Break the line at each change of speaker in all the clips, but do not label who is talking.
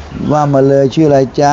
ว่ามาเลยชื่ออะไรจ๊ะ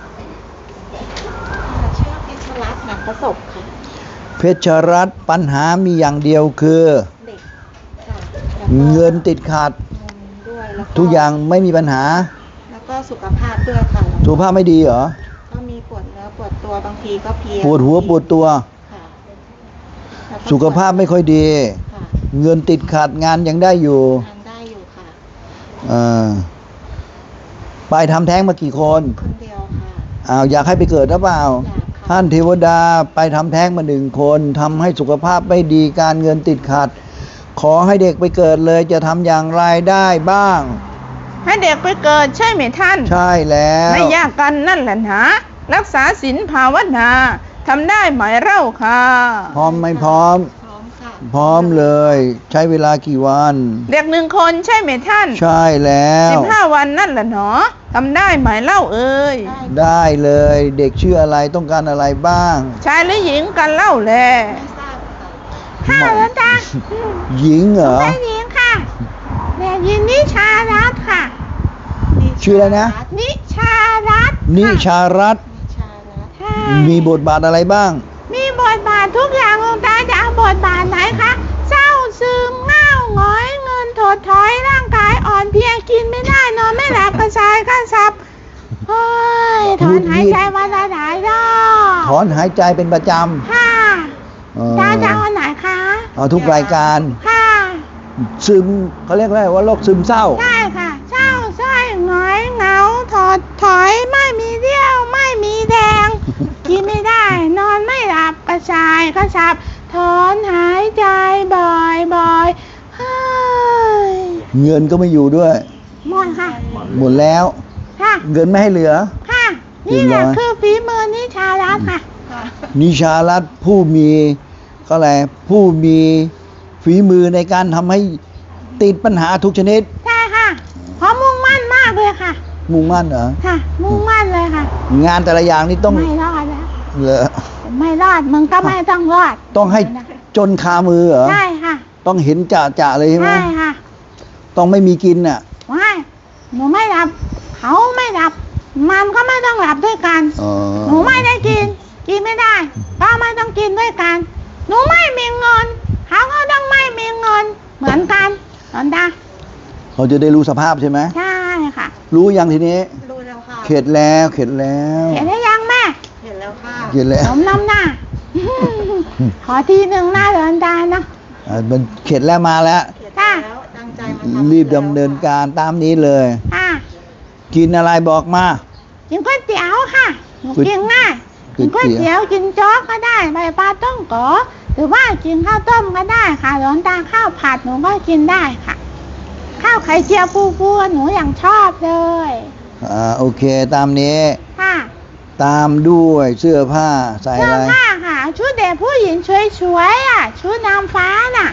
ชื่อเพชรรัตน์หนักประสบค่ะ
เพชรรัตน์ปัญหามีอย่างเดียวคือ
เด็กค่ะ
เงินติดขัด
ด้วยแล้ว
ทุกอย่างไม่มีปัญหา
แล้วก็สุขภาพด้วยค่ะ
สุขภาพไม่ดีเหรอ
ก็มีปวดเนื้อปวดตัวบางทีก็เพลีย
ปวดหัวปวดตัว
ค่ะ
สุขภาพไม่ค่อยดี
ค่ะ
เงินติดขัดงานยังได้อยู่
ทำได้อยู่
อ่
ะ
าไปทำแท้งมากี่คน
คนเดียวค่ะ
อยากให้ไปเกิดหรือเปล่า
อยากค่ะ
ท่านเทวดาไปทำแท้งมา1 คนทำให้สุขภาพไม่ดีการเงินติดขัดขอให้เด็กไปเกิดเลยจะทำอย่างไรได้บ้าง
ให้เด็กไปเกิดใช่ไหมท่าน
ใช่แล้ว
ไม่ยากกันนั่นแหละนะรักษาศีลภาวนาทำได้ไหมเล่าค่ะ
พร้อมไม่พร้อม
พร้อมค่ะ
พร้อมเลยใช้เวลากี่วัน
เด็ก1 คนใช่ไหมท่าน
ใช่แล้ว
15 วันนั่นแหละเนาะทำได้ไหมเล่าเอ่ย
ได้เลยเด็กชื่ออะไรต้องการอะไรบ้าง
ชายหรือหญิงกันเล่าแล
ไม่ทราบค่ะ
แล้วจ้ะ
หญิงเหรอ
ไม่หญิงค่ะเด็กหญิงนิชารัตน์ค่ะ
ชื่ออะไรนะ
นิชารัตน์
นิชารัตน์มีบทบาทอะไรบ้าง
มีบทบาททุกอย่างหลวงตาจะเอาบทบาทไหนคะเศร้าซึมเง่าหงอยเงินถดถอยร่างกายอ่อนเพลียกินไม่ได้นอนไม่หลับกระชายกระสับเฮ้ยถอนหายใจวันละหลายรอบ
ถอนหายใจเป็นประจำ
ค่ะตาจะเอาไหนคะ
เอาทุกรายการ
ค่ะ
ซึมเขาเรียกว่าโรคซึมเศร้า
ใช่ค่ะเศร้าส้อยหงอยเหงาถอดถอยไม่มีเรี่ยวไม่มีแดงกินไม่ได้นอนไม่หลับกระชายกระสับถอนหายใจบ่อยเฮ้ย
เงินก็ไม่อยู่ด้วย
หมดค่ะ
หมดแล้ว
ค่ะ
เงินไม่ให้เหลือ
ค่ะนี่แหละคือฝีมือนิชารัตน์ค่ะ
นิชารัตน์ผู้มีก็อะไรผู้มีฝีมือในการทำให้ติดปัญหาทุกชนิด
ใช่ค่ะเพราะมุ่งมั่นมากเลยค่ะ
มุ่งมั่นเหรอ
ค่ะมุ่งมั่นเลยค่ะ
งานแต่ละอย่างนี่ต้อง
ไม่รอดแล้ว
เหรอ
ไม่รอดมึงก็ไม่ต้องรอด
ต้องให้จนคามือเหรอ
ใช่ค่ะ
ต้องเห็นจะเลยใช่ไหม
ใช่ค่ะ
ต้องไม่มีกินอ่ะ
ไม่หนูไม่หลับเขาไม่หลับมันก็ไม่ต้องหลับด้วยกันหนูไม่ได้กินไม่ได้ก็ไม่ต้องกินด้วยกันหนูไม่มีเงินเขาก็ต้องไม่มีเงินเหมือนกันตอนตา
เขาจะได้รู้สภาพใช่ไหม
ใช่ค่ะ
รู้ยังทีนี้
รู้แล้วค่ะ
เข็ดแล้วเข็ดแล้ว
เข็ดได้ยังแม่
เห็นแล้วค่ะ
เข็ดแล้ว
ผมน้ำหน้าขอทีหนึ่งหน้าเดินตาเนาะ
มันเข็ดแล้วมาแล้ว
ตั้งใจมา
รีบดำเนินการตามนี้เลยกินอะไรบอกมา
กินก๋วยเตี๋ยวค่ะกินง่ายกินก๋วยเตี๋ยวกินโจ๊กก็ได้ใบปลาต้มก๋อหรือว่ากินข้าวต้มก็ได้ค่ะหลวงตาข้าวผัดหนูก็กินได้ค่ะข้าวไข่เจียวปูหนูอย่างชอบเลย
โอเคตามนี้
ค่ะ
ตามด้วยเสื้อผ้าใส่อะไร
เสื้อผ้าค่ะชุดเด็กผู้หญิงสวยๆอ่ะชุดนางฟ้าน่ะ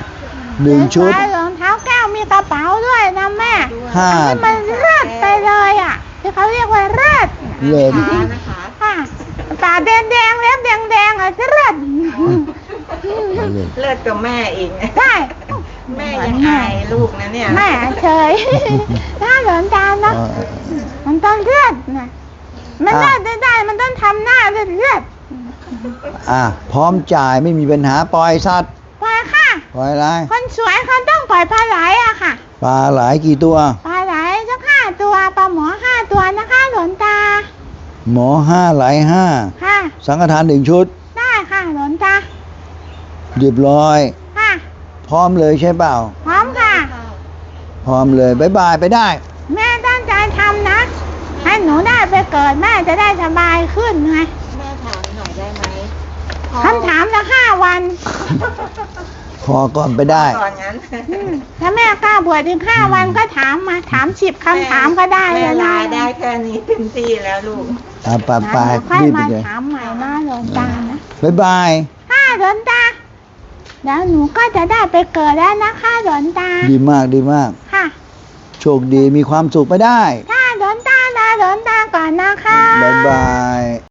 1 ชุด
รองเท้าแก้วมีกระเป๋าด้วยนะแม่ให้มันเลิศไปเลยอ่ะที่เขาเรียกว่าเลิศ
นะคะ
ค่ะตาแดงเล็บแดงอ่ะเลิศ
เลิศกับแม่เอง
ใช่
แม่ยังอายลูกนะเนี่ย
แม่เฉยถ้าหลอนตาเนาะมันต้องเลือดนะมันเลือดได้มันต้องทำหน้าเลือด
พร้อมจ่ายไม่มีปัญหาปล่อยสัตว์
ปล่อยค่ะ
ปล่อยอะไร
คนสวยเขาต้องปล่อยปลาไหลอะค่ะ
ปลาไหลกี่ตัว
ปลาไหลสัก5 ตัวปลาหมอ5 ตัวนะคะหลอนตา
หมอ5ไหล5
ค่ะ
สังฆทาน1 ชุด
ได้ค่ะหลอนตา
เรียบร้อย
ค่ะ
พร้อมเลยใช่เปล่า
พร้อมค่ะ
พร้อมเลยบ๊ายบายไปได้
แม่ตั้งใจทำนะให้หนูได้ไปเกิดแม่จะได้สบายขึ้นไง
แม่ถามหน่อยได้ไหม
คำถามละ5 วัน
พอก่อนไปได้
ก่อนงั้น
ถ้าแม่กล้าบวชถึง5 วันก็ถามมาถาม10 คำถามก็ได้
เลยนะได้แค่นี้เต็มที่แล้วลูก
ไป
รีบมาถามใหม่นะหลวงตานะ
บ๊ายบาย
หลวงตาแล้วหนูก็จะได้ไปเกิดแล้วนะคะหลวงตา
ดีมาก
ค่ะ
โชคดีมีความสุขไปได้
หลวงตาลาหลวงตาก่อนนะคะ
บ๊ายบาย